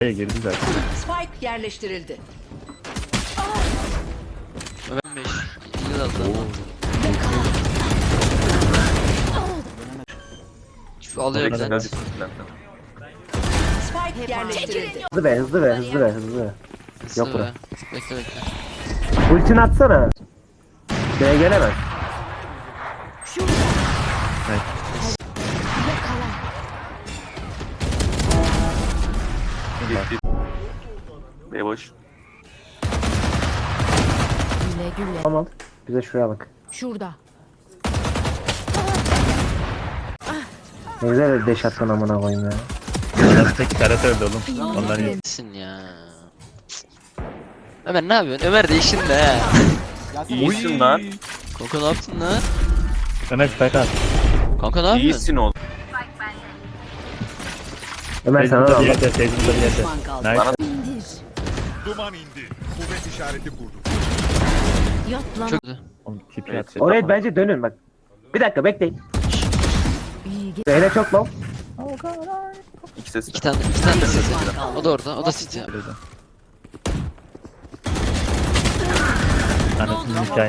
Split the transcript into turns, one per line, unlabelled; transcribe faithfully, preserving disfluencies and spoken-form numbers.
girdi zaten.
Spike yerleştirildi.
Ben beş. İyi aldı. Şu alıyor
Hadi,
ben.
hadi.
Spike yerleştirildi.
Hızlı be hızlı be hızlı be hızlı. Yok
Hızlı
bura.
be. Bekle bekle.
Ultini atsana. B'ye gelemez.
B boş.
Güle güle.
Tamam. Bize şuraya bak.
Şurada.
Ne güzel deş attın amına koyayım ya.
Arasındaki Ferhat öldü oğlum. Ondan iyi.
Nesin ya? Ömer ne yapıyorsun? Ömer değiştin de he.
İyisin lan.
Kanka ne yaptın lan?
Ömer Ferhat.
Kanka ne yapıyorsun?
İyisin oğlum.
Ömer sana da
Seyircimize bir
al.
yerde, seyircimize bir yerde.
Düşman kaldı.
Nice. Bana
İndir.
Duman indi. Kuvvet işareti kurdu.
Yat lan.
Çok
Oğlum tipi
Evet.
atacak.
Oraya bence dönün bak. Bir dakika bekleyin.
İyi ge-
B'de çok low.
İki ses.
iki tane iki tane de sesi. O da orada. O da sesi.
Anasının hikaye.